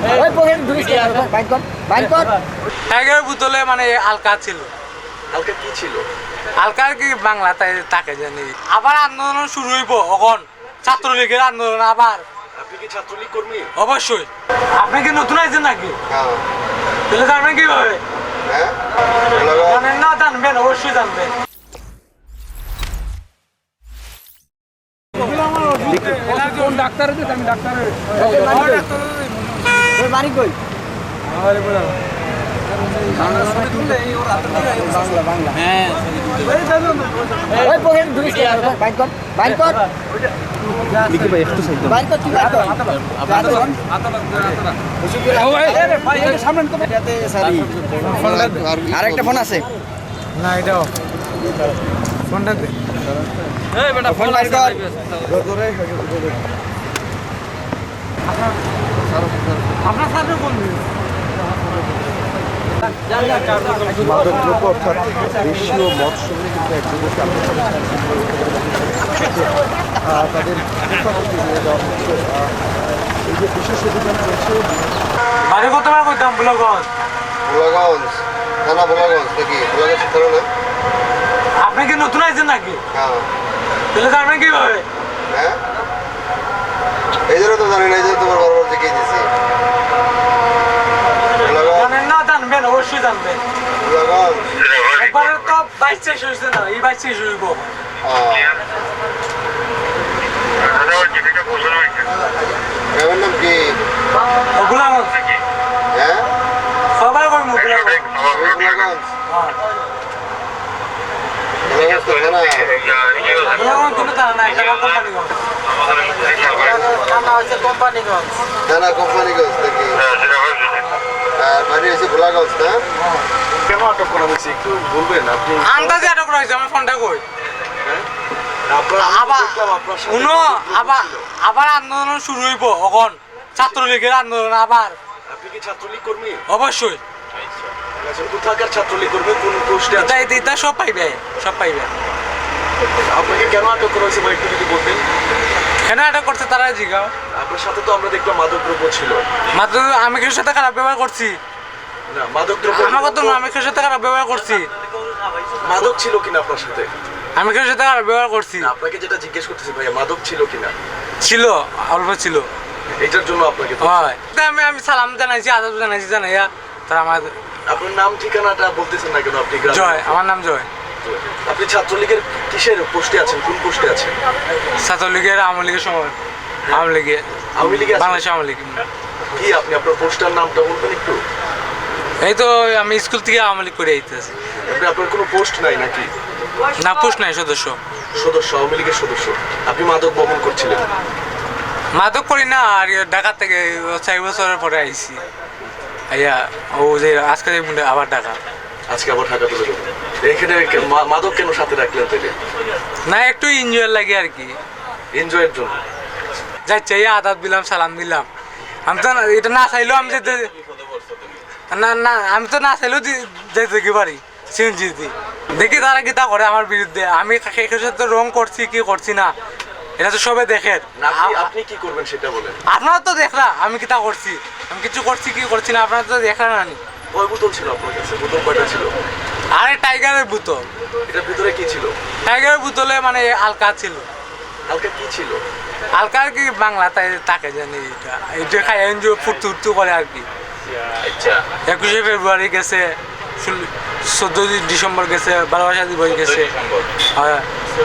Tiger বোতলে মানে আলকা ছিল। হালকা কি ছিল? আলকার কি বাংলা তাই তাকে জানি। আবার আন্দোলন শুরু হইব এখন, ছাত্রলীগের আন্দোলন আবার। আপনি কি ছাত্রলীগ কর্মী? অবশ্যই। আপনি কি নতুন আইছেন নাকি? হ্যাঁ। তাহলে জানবেন কিভাবে? হ্যাঁ, জানেন না, জানবেন, অবশ্যই জানবেন। কোন ডাক্তার আছে? আমি ডাক্তারের বাড়ি কই? আরেকটা ফোন আছে না, এটাও ফোনটা দে। ফোন বাইর কর। আপনার সাথে কোন মাদকদ্রব্য অর্থাৎ দেশীয় মদ সঙ্গে কিন্তু এক যুবককে তাদের হেফাজতে নিয়ে যাওয়া হচ্ছে। এই যে বিশেষ অভিযান চলছে বাড়ি কতবার করতাম বুলাগঞ্জ। ভোলাগঞ্জ থানা, ভোলাগঞ্জ নাকি? ভোলাগঞ্জ থানা না? আপনি কি নতুন আইছেন নাকি? হ্যাঁ। তাহলে জানবেন কিভাবে? হ্যাঁ, এই জন্য তো জানি না, এই জন্য তোমার বারবার দেখিয়ে দিচ্ছি। জানেন না, জানবেন, অবশ্যই জানবেন। ভোলাগঞ্জ একবারে তো 22 শেষ হয়েছে না, এই 22 শেষ হইব। গ্রামের নাম কি? বুলাগঞ্জ। হ্যাঁ, সবাই কই বুলাগঞ্জ। ভোলাগঞ্জ। হ্যাঁ। ভোলাগঞ্জ তো থানা। বুলাগঞ্জ কিন্তু জানা না, একটা কোম্পানিগঞ্জ। কোম্পানিগঞ্জ। থানা কোম্পানিগঞ্জ নাকি? আর বাড়ি হয়েছে ভোলাগঞ্জ না? কেন আটক করা হয়েছে একটু বলবেন আপনি? আন্দাজে আটক করা হয়েছে, আমার ফোনটা কই? আপনার আবার দেখলাম আপনার সাথে শুনো, আবার আন্দোলন শুরু হইব এখন, ছাত্রলীগের আন্দোলন আবার। আপনি কি ছাত্রলীগ কর্মী? অবশ্যই। আচ্ছা, কোথাকার ছাত্রলীগ কর্মী? কোন পোস্টে আছে? এটা সব পাইবে, সব পাইবে। আপনাকে কেন আটক করা হয়েছে একটু যদি বলতেন? কেন আটক করছে তারা জিগাও। আপনার সাথে তো আমরা দেখলাম মাদকদ্রব্য ছিল। মাত্র আমি কিছুর সাথে খারাপ ব্যবহার করছি? না, মাদকদ্রব্য আমার কথা না, আমি কিছুর সাথে খারাপ ব্যবহার করছি? মাদক ছিল কিনা আপনার সাথে? আমি কিছুর সাথে খারাপ ব্যবহার করছি? না, আপনাকে যেটা জিজ্ঞেস করতেছি ভাইয়া, মাদক ছিল কিনা? ছিল, অল্প ছিল। এটার জন্য আপনাকে হয়। আমি সালাম জানাইছি, আদাব জানাইছি, জানাইয়া তারা আমার। আপনার নাম ঠিকানাটা বলতেছেন না কেন? আপনি জয়, আমার নাম জয়। আপনি ছাত্রলীগের কিসের পোস্টে আছেন? কোন পোস্টে আছেন? ছাত্রলীগের, আওয়ামী লীগের সময়। আওয়ামী লীগে, আওয়ামী লীগে আছেন? বাংলাদেশ আওয়ামী লীগ। কি আপনি আপনার পোস্টার নামটা বলবেন একটু? এই তো আমি স্কুল থেকে আওয়ামী লীগ করে আইতেছি। আপনার কোনো পোস্ট নাই নাকি? না, পোস্ট নাই, সদস্য। সদস্য, আওয়ামী লীগের সদস্য। আপনি মাদক বহন করছিলেন? মাদক করি না, আর ঢাকা থেকে 4 বছরের পরে আইছি। আইয়া ও যে আজকে আবার ঢাকা। আজকে আবার ঢাকা তুলে দেবেন? এখানে মাদক কেন সাথে রাখলেন তাহলে? না, একটু এনজয় লাগে আর কি, এনজয়ের জন্য। যাচ্ছে আদাব দিলাম, সালাম দিলাম। আমি তো এটা না চাইলেও আমি যেতে, না আমি তো না চাইলেও যেতে কি পারি সিএনজি দি। দেখি তারা কি তা করে আমার বিরুদ্ধে। আমি একের সাথে রং করছি কি করছি না, এটা তো সবে দেখেন। আপনি কি করবেন সেটা বলেন? আপনারা তো দেখলা আমি কি তা করছি, আমি কিছু করছি কি করছি না, আপনারা তো দেখলেন না। কয় বোতল ছিল আপনার কাছে? বোতল কয়টা ছিল? আরে টাইগারের বোতল। এটার ভিতরে কি ছিল? টাইগারের বোতলে মানে আলকা ছিল। হালকা কি ছিল? আলকার কি বাংলা তাই তাকে জানি। এটা খাই এনজিও ফুটু করে আর কি। আচ্ছা, 21শে ফেব্রুয়ারি গেছে, 14 ডিসেম্বর গেছে, ভালোবাসা দিবস গেছে। হ্যাঁ।